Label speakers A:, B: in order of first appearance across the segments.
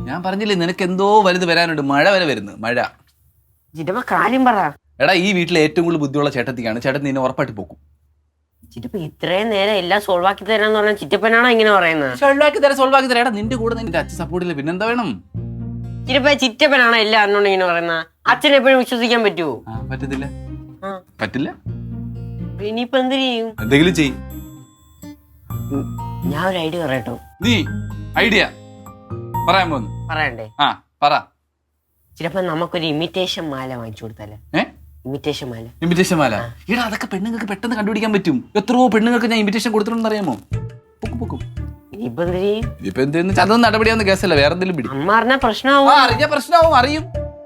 A: ഞാൻ പറഞ്ഞില്ലേ നിനക്ക് എന്തോ വലുത് വരാനുണ്ട്. മഴ വരെ വരുന്നു. മഴ.
B: ചിറ്റപ്പ കാര്യം പറ.
A: എടാ ഈ വീട്ടിലെ ഏറ്റവും കൂടുതൽ ബുദ്ധിയുള്ള ചേട്ടത്തിക്കാണ്. ചേട്ടൻ നിന്നെ ഉറപ്പായിട്ട് പോക്കും.
B: ചിറ്റപ്പ ഇത്രയും നേരം എല്ലാം സോൾവ് ആക്കി തരാന്ന് പറഞ്ഞാൽ ചിറ്റപ്പനാണോ ഇങ്ങനെ പറയുന്നത്?
A: സോൾവ് ആക്കി തരാം. എടാ നിന്റെ കൂടെ നിന്റെ അച്ഛൻ സപ്പോർട്ടില്ല, പിന്നെന്താ വേണം?
B: ചിറ്റപ്പ ചിറ്റപ്പനാണോ എല്ലാം അറിഞ്ഞോണ്ട് ഇങ്ങനെ പറയുന്നത്? അച്ഛനെ എപ്പോഴും വിശ്വസിക്കാൻ പറ്റുമോ?
A: പറ്റത്തില്ല. പറ്റില്ല.
B: ഇനിയിപ്പോ എന്ത് ചെയ്യും?
A: എന്തെങ്കിലും ചെയ്യും.
B: ഞാൻ ഒരു ഐഡിയ പറയട്ടോ.
A: നീ ഐഡിയ പറയാൻ പോന്നു.
B: പറയണ്ടേ?
A: പറ.
B: ചിലപ്പോ നമുക്കൊരു ഇമിറ്റേഷൻ മാല വാങ്ങിച്ചു കൊടുത്താലേ? ഇമിറ്റേഷൻ മാല.
A: എടാ അതൊക്കെ പെണ്ണുങ്ങൾക്ക് പെട്ടെന്ന് കണ്ടുപിടിക്കാൻ പറ്റും. എത്രയോ പെണ്ണുങ്ങൾക്ക് ഞാൻ ഇമിറ്റേഷൻ കൊടുത്തിട്ടുണ്ടെന്ന് അറിയാമോ? പൊക്കും.
B: ഇനിയിപ്പോ എന്ത് ചെയ്യും?
A: ഇപ്പൊ എന്തെന്ന് അതൊന്നും നടപടിയാവുന്ന കേസല്ല. വേറെ എന്തെങ്കിലും പിടി.
B: അമ്മ അറിഞ്ഞാ പ്രശ്നമാവും.
A: അറിഞ്ഞ പ്രശ്നമാവും. അറിയും.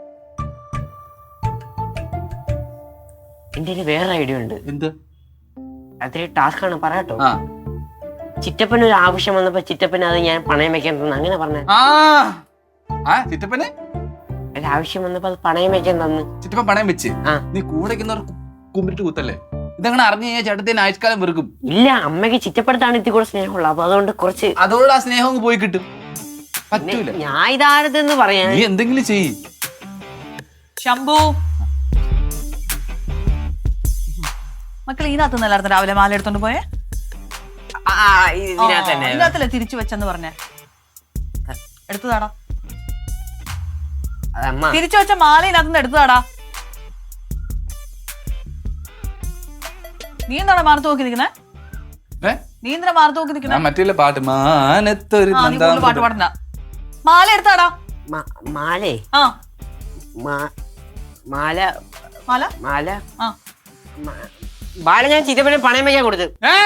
B: എന്റെ വേറെ ഐഡിയ ഉണ്ട്.
A: എന്ത്?
B: അതൊരു ടാസ്ക് ആണ്, പറയാട്ടോ. ചിറ്റപ്പന് ഒരു ആവശ്യം വന്നപ്പോ ചിറ്റപ്പന് അത് ഞാൻ പണയം വെക്കാൻ തന്നു, അങ്ങനെ പറഞ്ഞ.
A: ചിറ്റപ്പന്
B: ഒരു ആവശ്യം വന്നപ്പോ അത് പണയം വെക്കാൻ തന്നു.
A: ചിറ്റപ്പൻ പണയം വെച്ച് നീ കൂടെ കുമ്പിട്ട് കുത്തല്ലേ? ഇതങ്ങനെ അറിഞ്ഞു കഴിഞ്ഞാൽ ചേട്ടത്തിന് ആയുഷ്കാലം വെറുക്കും.
B: ഇല്ല, അമ്മയ്ക്ക് ചിറ്റപ്പെടുത്താണ് ഇത്തി കൂടെ സ്നേഹമുള്ള. അപ്പൊ അതുകൊണ്ട് കുറച്ച്
A: അതോട് ആ സ്നേഹം അങ്ങ് പോയി കിട്ടും. പറ്റൂല.
B: ഞാൻ ഇതാരതെന്ന് പറയാൻ.
A: നീ എന്തെങ്കിലും ചെയ്യ്.
C: ശംഭു മക്കൾ ഇതിനകത്ത് നിന്നായിരുന്നു രാവിലെ മാല എടുത്തോണ്ട് പോയേ? ഇതിനകത്തല്ലേ തിരിച്ചു വെച്ചെന്ന് പറഞ്ഞേ? എടുത്തതാടാ. തിരിച്ചു വെച്ച മാല ഇതിനകത്തുനിന്ന് എടുത്തതാടാ. നീ എന്താണ് മാർത്ത് നോക്കി നിൽക്കുന്നേ? നീ എന്തിനാ മാർത്ത് നോക്കി നിൽക്കുന്നേ?
A: മറ്റേ പാട്ട്
C: പാട്ട് പാടണ്ട. മാല എടുത്താടാ.
B: മാലേ? മാല
C: മാല
B: മാല മാല ഞാൻ ചിറ്റപ്പനെ പണയം വയ്ക്കാൻ കൊടുത്തു.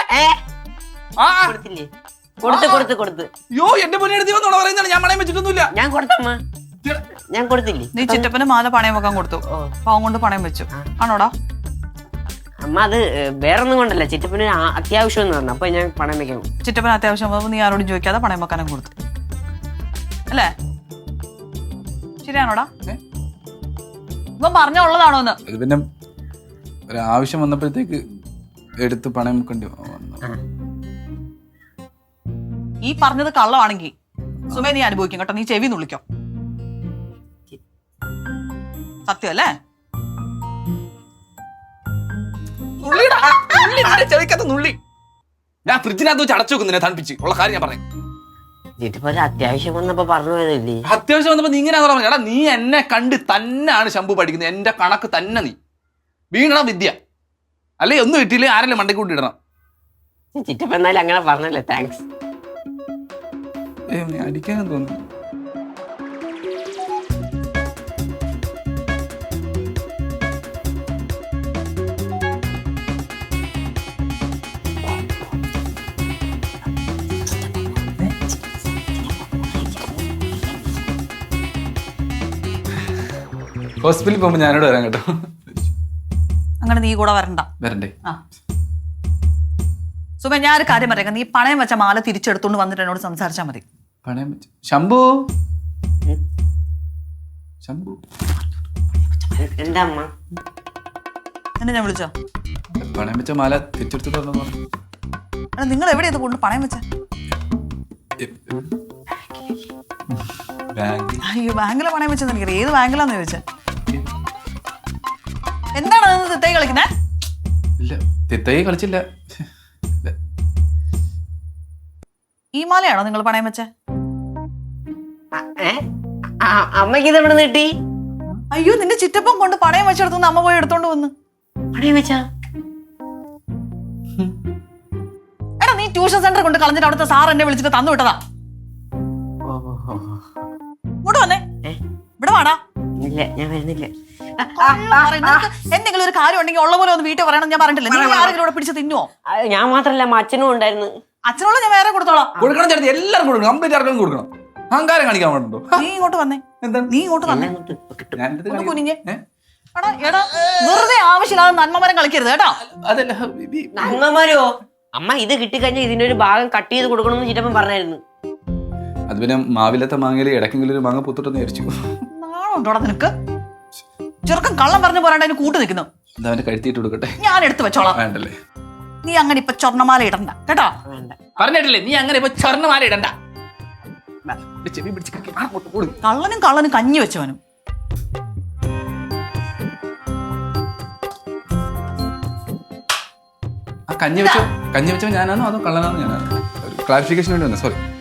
B: കൊടുത്തില്ലേ?
A: യോ എന്റെ പറയുന്നതാണ്. ഞാൻ പണയം വെച്ചിട്ടൊന്നുമില്ല.
B: ഞാൻ കൊടുത്തമ്മ, ഞാൻ കൊടുത്തില്ലേ?
C: നീ ചിറ്റപ്പന് മാല പണയം വെക്കാൻ കൊടുത്തു. പാവം കൊണ്ട് പണയം വെച്ചു ആണോടാ?
B: അമ്മ അത് വേറൊന്നും കൊണ്ടല്ല, ചിറ്റപ്പന് അത്യാവശ്യം എന്ന് പറഞ്ഞു. അപ്പൊ ഞാൻ പണയം വെക്കാൻ.
C: ചിറ്റപ്പന് അത്യാവശ്യം നീ ആരോടും ചോദിക്കാതെ പണയം വെക്കാനും കൊടുത്തു അല്ലേ? ശരിയാണോടാ? ഇപ്പം പറഞ്ഞുള്ളതാണോ എന്ന്?
A: പിന്നെ ഒരു ആവശ്യം വന്നപ്പോഴത്തേക്ക് എടുത്ത് പണയം വെക്കേണ്ടി വന്നു.
C: ഈ പറഞ്ഞത് കള്ളമാണെങ്കിൽ സുമേ നീ അനുഭവിക്കും കേട്ടോ. നീ ചെവി നുള്ളിക്കോ. സത്യം അല്ലേ?
A: ഞാൻ ഫ്രിഡ്ജിനകത്ത് വെച്ച് അടച്ചു വെക്കുന്നതിനെ തണുപ്പിച്ച് ഉള്ള കാര്യം ഞാൻ പറയാം.
B: അത്യാവശ്യം വന്നപ്പോ പറഞ്ഞു പോയതല്ലേ?
A: അത്യാവശ്യം വന്നപ്പോ നീ ഇങ്ങനെ പറഞ്ഞു. എടാ നീ എന്നെ കണ്ട് തന്നെയാണ് ശംഭു പഠിക്കുന്നത്. എന്റെ കണക്ക് തന്നെ നീ വീണ വിദ്യ അല്ലേ? ഒന്നും കിട്ടിയില്ലേ ആരെല്ലാം മണ്ടയ്ക്ക് കൂട്ടിയിടണം.
B: ചിറ്റപ്പ എന്നാലും അങ്ങനെ പറഞ്ഞല്ലേ, താങ്ക്സ്.
A: അടിക്കാനും തോന്നുന്നു. ഹോസ്പിറ്റലിൽ പോകുമ്പോ ഞാനോട് വരാം കേട്ടോ.
C: അങ്ങനെ നീ കൂടെ വരണ്ടേ? സുമേ ഞാൻ ഒരു കാര്യം പറയാം. നീ പണയം വെച്ച മാല തിരിച്ചെടുത്തോണ്ട് വന്നിട്ട് എന്നോട് സംസാരിച്ചാ മതി.
A: പണയം വെച്ച ശംഭു
B: എന്താ അമ്മ
C: എന്നെ ഞാൻ വിളിച്ചോ?
A: പണയം വെച്ച മാല തിരിച്ചെടുത്തിട്ടുണ്ടോ?
C: നിങ്ങൾ എവിടെയത് കൊണ്ട് പണയം വെച്ച? അയ്യോ ബാങ്കിലെ പണയം വെച്ചെന്ന് എനിക്കറിയാം. ഏത് ബാങ്കിലാന്ന് ചോദിച്ചേ? എന്താണ് തിത്തൈ കളിക്കുന്നേ?
A: ഇല്ല തിത്തൈ കളിച്ചില്ല.
C: ഈ മാലയാണോ നിങ്ങൾ പണയം വെച്ചേ?
B: അമ്മക്ക് ഇത് എവിടെ കിട്ടി?
C: അയ്യോ നിന്റെ ചിറ്റപ്പം കൊണ്ട് പണയം വെച്ചെടുത്തു അമ്മ പോയി എടുത്തോണ്ട് വന്ന്.
B: പണയം വെച്ചാ?
C: എടാ നീ ട്യൂഷൻ സെന്റർ കൊണ്ട് കളഞ്ഞിട്ട് അവിടുത്തെ സാർ എന്നെ വിളിച്ചിട്ട് തന്നു വിട്ടതാ. ഇങ്ങോട്ട് വന്നേ. ഇവിടെ വാടാ.
B: ഇല്ല ഞാൻ വരുന്നില്ല.
C: എന്തെങ്കിലും ഒരു കാര്യം ഉണ്ടെങ്കിൽ ഉള്ള പോലെ ഒന്ന് വീട്ടിൽ പറയണം. ഞാൻ പറഞ്ഞിട്ടില്ല. നീ ആരെങ്കിലും ഇവിടെ പിടിച്ച് തിന്നുവോ?
B: ഞാൻ മാത്രല്ല അച്ഛനും ഉണ്ടായിരുന്നു.
C: അച്ഛനോട് ഞാൻ വേറെ കൊടുത്തോളാം.
A: കൊടുക്കണം ചേട്ടത്തി, എല്ലാവരും കൊടുക്കണം. കംപ്ലീറ്റ് ആർക്കും കൊടുക്കണം. അഹങ്കാരം കാണിക്കാൻ വേണ്ടോ?
C: നീ ഇങ്ങോട്ട് വന്നേ.
A: എന്താ
C: നീ ഇങ്ങോട്ട് വന്നേ.
A: കുനിഞ്ഞേ.
C: എടാ വെറുതെ ആവശ്യമില്ലാതെ നന്മമരം കളിക്കരുത് കേട്ടോ.
A: അതല്ല
B: നന്മമാരോ? അമ്മ ഇത് കിട്ടിക്കഴിഞ്ഞാൽ ഇതിനൊരു ഭാഗം കട്ട് ചെയ്ത് കൊടുക്കണമെന്ന് ചിറ്റപ്പൻ പറഞ്ഞായിരുന്നു.
A: അത് പിന്നെ മാവിലത്തെ മാങ്ങയില് ഇടയ്ക്കെങ്കിലും ഒരു മാങ്ങ പുത്തിട്ടെന്ന് വിചാരിച്ചു.
C: നാണുണ്ടോടാ നിനക്ക്? ചെറുക്കൻ കള്ളം പറഞ്ഞു പോരാണ്ട് അതിന് കൂട്ട് നിൽക്കുന്നു.
A: കഴുത്തിട്ട് കൊടുക്കട്ടെ,
C: ഞാൻ എടുത്തു വെച്ചോളാം.
A: വേണ്ടല്ലേ?
C: നീ അങ്ങനെ ഇപ്പൊ സ്വർണ്ണമാല ഇടണ്ട കേട്ടോ.
A: പറഞ്ഞിട്ടില്ലേ നീ അങ്ങനെ ഇപ്പൊ സ്വർണ്ണമാല ഇടണ്ട. ചെവി പിടിച്ച് അങ്ങോട്ട് കൊടു.
C: കള്ളനും കള്ളനും കഞ്ഞി വെച്ചവനും.
A: ആ കഞ്ഞി വെച്ചോ ഞാനാണോ അതോ കള്ളനാണോ ഞാനാണോ? ഒരു ക്ലാരിഫിക്കേഷൻ വേണ്ടി വന്നു, സോറി.